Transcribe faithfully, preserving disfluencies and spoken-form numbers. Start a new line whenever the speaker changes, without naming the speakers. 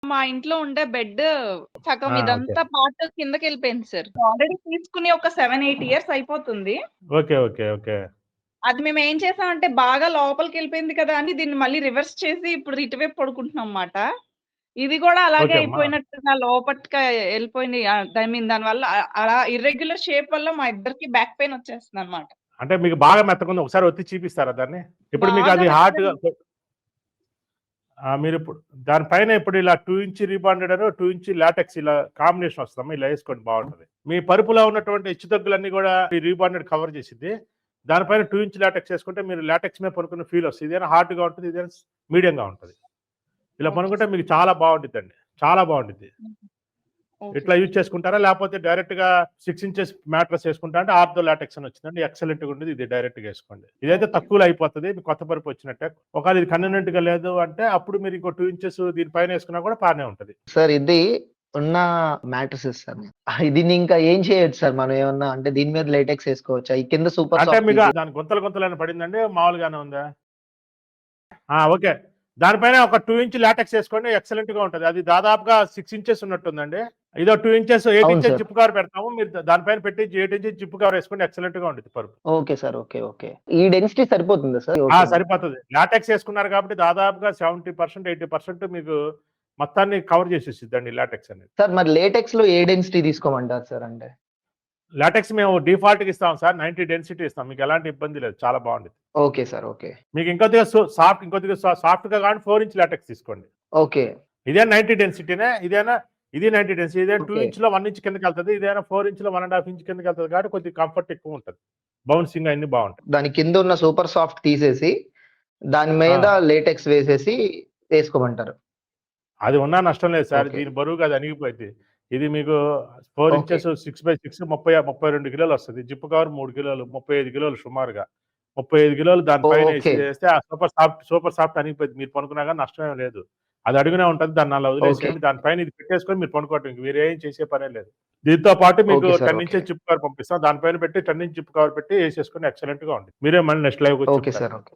మా ఇంట్లో ఉండే బెడ్ సగం
ఆ! ఓకే.
ఇదంతా పార్ట్ కిందకెళ్ళిపోయింది సార్. ఆల్రెడీ తీసుకొని ఒక సెవెన్ ఎయిట్ ఇయర్స్ అయిపోతుంది.
ఓకే. ఓకే. ఓకే.
అది మేమేం చేసామంటే బాగా లోపలికెళ్ళిపోయింది కదా! అని దీన్ని మళ్ళీ రివర్స్ చేసి ఇప్పుడు ఇటువైపు పడుకుంటున్నాం మాట. ఇది గూడా అలాగే
ఓకే. మా
అయిపోయినట్టుగా లోపటికి ఎళ్ళిపోయింది. ఆహ్, ఐ మీన్ దానివల్ల అ అలా ఇర్రెగ్యులర్ షేప్ వల్ల మా ఇద్దరికి బ్యాక్ పెయిన్ వచ్చేస్తుందన్నమాట.
అంటే మీకు బాగా మెత్తగుంది. ఒకసారి ఒత్తి చూపిస్తారా దాన్ని? ఇప్పుడు మీకు
బాగా
అది హార్డ్‌గా
మెత్తగా
ఆ! మీరిప్పుడు దాని పైన ఇప్పుడు ఇలా టూ ఇంచ్ రీబాండెడ్ అనో, టూ ఇంచ్ లాటెక్స్ ఇలా కాంబినేషన్ వస్తదమ్మా. ఇలా ఏసుకోండి బావుంటది. మీ పరుపులో ఉన్నటువంటి హెచ్చుతగ్గులన్నీ గూడా ఈ రీబాండెడ్ కవర్ చేసిద్ది. దానిపైన టూ ఇంచ్ లాటెక్స్ ఏసుకుంటే మీరు లాటెక్స్ మీద పడుకున్న ఫీల్ వస్తది. ఇదేనా హార్డ్‌గా ఉంటది. ఇదేనా స్ మీడియంగా ఉంటది. ఇలా
ఓకే
పనుకుంటే
సార్.
మీకు చాలా బావుండిద్దండి. చాలా బావుండిద్ది.
హుహు. ఓకే
ఇట్లా యూజ్
సార్.
చేసుకుంటారా? లేపోతే డైరెక్ట్‌గా సిక్స్ ఇంచెస్ మ్యాట్రెస్ ఏసుకుంటా అంటే ఆర్థో లాటెక్స్ అని వచ్చిందండి. ఎక్సలెంట్‌గా ఉండేది. ఇది డైరెక్ట్‌గా ఏసుకోండి. ఇదైతే
ఓకే.
తక్కువలో అయిపోతది. మీకు కొత్త పరుపు వచ్చినట్టే. ఒకవేళ ఇది కన్వీనియంట్‌గా లేదు అంటే అప్పుడు మీరు ఇంకో టూ ఇంచెస్ దీని పైన ఏసుకున్నా కూడా బానే ఉంటది.
సార్ ఇది ఉన్న మ్యాట్రిసెస్ సార్. దీన్ని ఇంకా ఏం చేయొచ్చు సార్ మనం ఏమన్నా అంటే దీని మీద లేటెక్స్ ఏసుకోవచ్చా? ఈ కింద సూపర్
అంటే
సాఫ్ట్
మీకు
తీసేసి
దాని గుంతలు గుంతలేమైనా పడిందండి? మామూలుగానే ఉందా? ఆ! ఓకే. దానిపైన ఒక టూ ఇంచ్ లాటెక్స్ ఏసుకోండి. ఎక్సలెంట్‌గా ఉంటది. అది దాదాపుగా సిక్స్ ఇంచెస్ ఉన్నట్టుందండి. ఇదో టూ ఇంచెస్, ఎయిట్
అవును
ఇంచెస్
సార్.
జిప్ కవర్ పెడతాము. మీరు ద దానిపైన పెట్టి ఎయిట్ ఇంచెస్ జిప్ కవర్ ఏసుకోండి. ఎక్సలెంట్‌గా ఉండిద్ది పరుపు.
Okay sir. ఓకే. ఓకే. ఈ డెన్సిటీ సరిపోతుందా సార్?
ఆ!
ఓకేనా?
సరిపోతది. లాటెక్స్ ఏసుకున్నారు కాబట్టి దాదాపుగా సెవెంటీ పర్సెంట్, ఎయిటీ పర్సెంట్ మీకు మొత్తాన్ని కవర్ చేసేసిద్దండి లాటెక్స్ అనేది.
సార్ మరి లేటెక్స్‌లో ఏ డెన్సిటీ తీసుకోమంటారు సార్ అంటే?
లాటెక్స్ మేము డిఫాల్ట్‌గా ఇస్తాం సార్. నైంటీ డెన్సిటీ ఇస్తాం. మీకు ఎలాంటి ఇబ్బంది లేదు. చాలా బావుండిద్ది.
Okay sir. ఓకే.
మీకు ఇంకొద్దిగా సో సాఫ్ట్ ఇంకొద్దిగా సా సాఫ్ట్‌గా కావాలంటే ఫోర్ ఇంచ్ లాటెక్స్ తీసుకోండి.
ఓకే.
ఇదే నైంటీ డెన్సిటీనే. ఇదేనా ఇది నైంటీ డెన్సిటీ. ఇదేనా టూ
ఓకే.
ఇంచ్‌లో వన్ ఇంచ్ కిందకెళ్తది. ఇదేనా ఫోర్ ఇంచ్‌లో వన్ ½ ఇంచ్ కిందకెళ్తది కాబట్టి కొద్దిగా కంఫర్ట్ ఎక్కువుంటది. బౌన్సింగ్ అయన్నీ బావుంటాయి.
దాని కింద ఉన్న సూపర్ సాఫ్ట్ తీసేసి దాని మీద
ఆ!
లేటెక్స్ వేసేసి ఏసుకోమంటారు.
అది ఉన్నా నష్టం లేదు సార్.
ఓకే.
దీని బరువుకి అది అణిగిపోయిద్ది. ఇది మీకు four
okay.
Inches six by six ముప్పై ముప్పై రెండు కిలోలొస్తది. జిప్ కవర్ మూడు కిలోలు, ముప్పై ఐదు కిలోలు సుమారుగా. ముప్పై ఐదు కిలోలు దాని పైన ఏసి
ఓకే.
ఏస్తే ఆ సూపర్ సాఫ్ట్ సూపర్ సాఫ్ట్ అణిగిపోయిద్ది. మీరు పనుకున్నా గాని నష్టమేం లేదు. అది అడుగునే ఉంటది. దాన్ని అలా
ఓకే.
వదిలేసేయండి. దాని పైన ఇది పెట్టేసుకొని మీరు పనుకోవటం. ఇంక వేరేం చేసే పనే లేదు. దీంతో పాటు మీకు
okay sir.
Ten
okay.
Inches zip cover పంపిస్తాం. దాని పైన పెట్టి టెన్ ఇంచ్ జిప్ కవర్ పెట్టి ఏసేసుకొని ఎక్సలెంట్‌గా ఉండిద్ది. మీరే మళ్ళీ నెక్స్ట్ లైవ్‌కొచ్చి
ఓకే
చెప్తారు.
సార్. ఓకే.